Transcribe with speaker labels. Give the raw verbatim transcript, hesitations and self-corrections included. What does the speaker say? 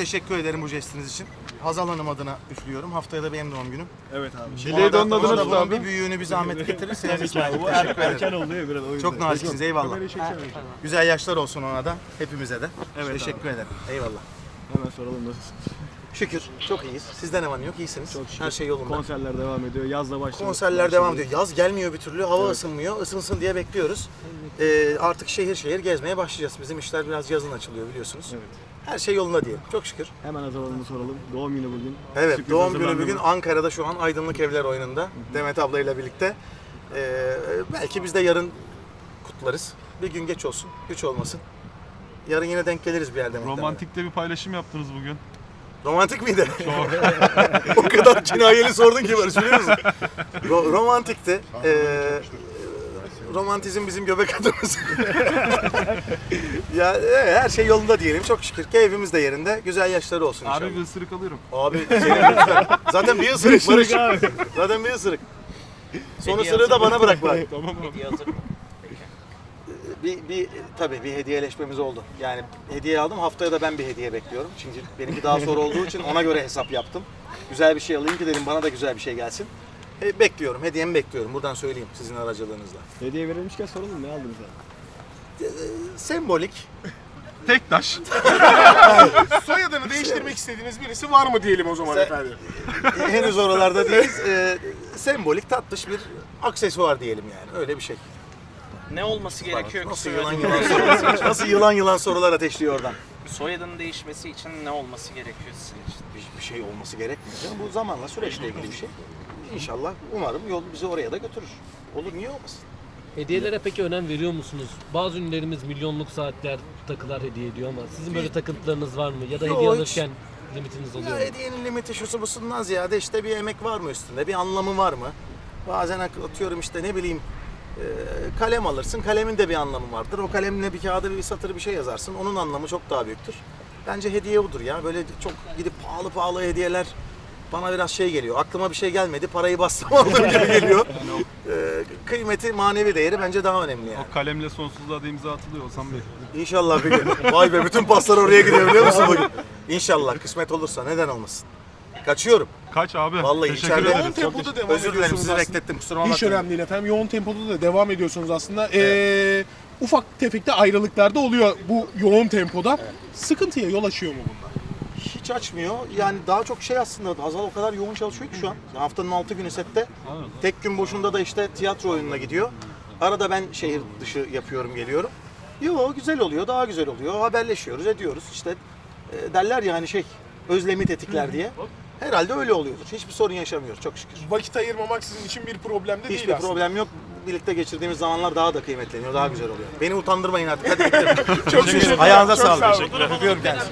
Speaker 1: teşekkür ederim bu jestiniz için. Hazal Hanım adına üflüyorum. Haftaya da benim doğum günüm.
Speaker 2: Evet abi.
Speaker 3: Dileği de onun adına tut
Speaker 1: bunun
Speaker 3: abi.
Speaker 1: bir büyüğünü bir zahmet getirirseniz İsmail.
Speaker 2: Bu
Speaker 1: Teşekkür
Speaker 2: er, erken
Speaker 1: ederim.
Speaker 2: oldu ya biraz o yüzden.
Speaker 1: Çok naziksiniz, eyvallah. Güzel yaşlar olsun ona da, hepimize de.
Speaker 2: Evet
Speaker 1: Teşekkür ederim. Eyvallah.
Speaker 2: Hemen soralım nasılsın?
Speaker 1: Şükür, çok iyiyiz. Sizde ne var ne yok, iyisiniz.
Speaker 2: Çok şükür.
Speaker 1: Her şey yolunda.
Speaker 2: Konserler devam ediyor. Yazla başladı.
Speaker 1: Konserler devam ediyor. Yaz gelmiyor bir türlü, hava ısınmıyor. Isınsın diye bekliyoruz. Ee, artık şehir şehir gezmeye başlayacağız. Bizim işler biraz yazın açılıyor biliyorsunuz.
Speaker 2: Evet.
Speaker 1: Her şey yolunda diyelim. Çok şükür.
Speaker 2: Hemen Hazal Hanım'ı soralım. Doğum günü bugün.
Speaker 1: Evet,
Speaker 2: Sürpriz
Speaker 1: doğum günü
Speaker 2: hazırlandı
Speaker 1: bugün
Speaker 2: mı?
Speaker 1: Ankara'da şu an Aydınlık Evler oyununda. Demet ablayla birlikte. Ee, belki biz de yarın kutlarız. Bir gün geç olsun, güç olmasın. Yarın yine denk geliriz bir yerde. muhtemelen.
Speaker 3: Romantikte bir paylaşım yaptınız bugün.
Speaker 1: Romantik miydi? O kadar kinayeli sordun ki Barış, biliyor musun? Ro- romantikti. Ee, romantizm bizim göbek adımız. Ya evet, her şey yolunda diyelim, çok şükür. Keyfimiz de yerinde. Güzel yaşları olsun inşallah.
Speaker 3: Abi bir ısırık alıyorum.
Speaker 1: Abi senin lütfen. Zaten bir ısırık Barış. Zaten bir ısırık. Son ısırığı da bana bırak bari.
Speaker 3: Tamam abi.
Speaker 1: Bir, bir tabii bir hediyeleşmemiz oldu. Yani hediye aldım. Haftaya da ben bir hediye bekliyorum. Çünkü benimki daha sonra olduğu için ona göre hesap yaptım. Güzel bir şey alayım ki dedim, bana da güzel bir şey gelsin. E, bekliyorum. Hediyemi bekliyorum. Buradan söyleyeyim sizin aracılığınızla.
Speaker 2: Hediye verilmişken soralım, ne aldınız abi?
Speaker 1: Sembolik.
Speaker 3: Tek taş.
Speaker 4: Soyadını değiştirmek istediğiniz birisi var mı diyelim o zaman
Speaker 1: Sen-
Speaker 4: efendim?
Speaker 1: Henüz oralarda değiliz. E, sembolik tatlış bir aksesuar diyelim yani. Öyle bir şey.
Speaker 5: Ne olması gerekiyor ki
Speaker 1: Nasıl yılan
Speaker 5: soyadının
Speaker 1: yılan
Speaker 5: değişmesi
Speaker 1: sorular,
Speaker 5: için?
Speaker 1: nasıl yılan yılan sorular ateşliyor oradan.
Speaker 5: Soyadının değişmesi için ne olması gerekiyor sizin için?
Speaker 1: Bir, bir şey olması gerekmiyor. canım. Bu zamanla süreçle ilgili bir şey. İnşallah umarım yol bizi oraya da götürür. Olur, niye olmasın?
Speaker 6: Hediyelere peki önem veriyor musunuz? Bazı ünlülerimiz milyonluk saatler, takılar hediye ediyor ama sizin böyle takıntılarınız var mı? Ya da
Speaker 1: Yok,
Speaker 6: hediye
Speaker 1: hiç.
Speaker 6: alırken limitiniz oluyor
Speaker 1: Ya
Speaker 6: mu?
Speaker 1: hediyenin limiti şusu busundan ziyade işte bir emek var mı üstünde, bir anlamı var mı? Bazen atıyorum işte ne bileyim e, kalem alırsın, kalemin de bir anlamı vardır. O kalemle bir kağıda bir satır bir şey yazarsın, onun anlamı çok daha büyüktür. Bence hediye budur ya, böyle çok gidip pahalı pahalı hediyeler bana biraz şey geliyor. Aklıma bir şey gelmedi, parayı bassam aldım gibi geliyor. E, kıymeti, manevi değeri bence daha önemli yani.
Speaker 3: O kalemle sonsuzluğa da imza atılıyor Hasan Bey.
Speaker 1: İnşallah bir gün. Vay be, bütün paslar oraya gidiyor biliyor musun bugün? İnşallah kısmet olursa, neden olmasın. Kaçıyorum.
Speaker 3: Kaç abi?
Speaker 1: Vallahi
Speaker 3: Teşekkür
Speaker 1: içeride-
Speaker 3: ederim.
Speaker 4: Yoğun tempoda devam
Speaker 1: Özür dilerim,
Speaker 4: ediyorsunuz
Speaker 1: sizi
Speaker 4: aslında.
Speaker 1: beklettim, kusura
Speaker 4: Hiç
Speaker 1: bakmayın.
Speaker 4: önemli değil efendim. Yoğun tempoda da devam ediyorsunuz aslında. Ee, ufak tefek de ayrılıklar da oluyor bu yoğun tempoda. Sıkıntıya yol açıyor mu bunlar?
Speaker 1: Hiç açmıyor. Yani daha çok şey aslında, Hazal o kadar yoğun çalışıyor ki şu an. Haftanın altı günü sette. Tek gün boşunda da işte tiyatro oyununa gidiyor. Arada ben şehir dışı yapıyorum, geliyorum. Yo, güzel oluyor, daha güzel oluyor. Haberleşiyoruz, ediyoruz. İşte e, derler ya hani şey, özlemi tetikler diye. Herhalde öyle oluyordur. Hiçbir sorun yaşamıyoruz çok şükür.
Speaker 4: Vakit ayırmamak sizin için bir problem de değil
Speaker 1: Hiçbir
Speaker 4: aslında.
Speaker 1: problem yok. Birlikte geçirdiğimiz zamanlar daha da kıymetleniyor, daha güzel oluyor. Beni utandırmayın artık. Hadi gidelim.
Speaker 4: Çok teşekkür ederim.
Speaker 1: Ayağınıza
Speaker 4: Çok
Speaker 1: sağlık.
Speaker 4: sağ olun.
Speaker 1: Öpüyorum kendinizi.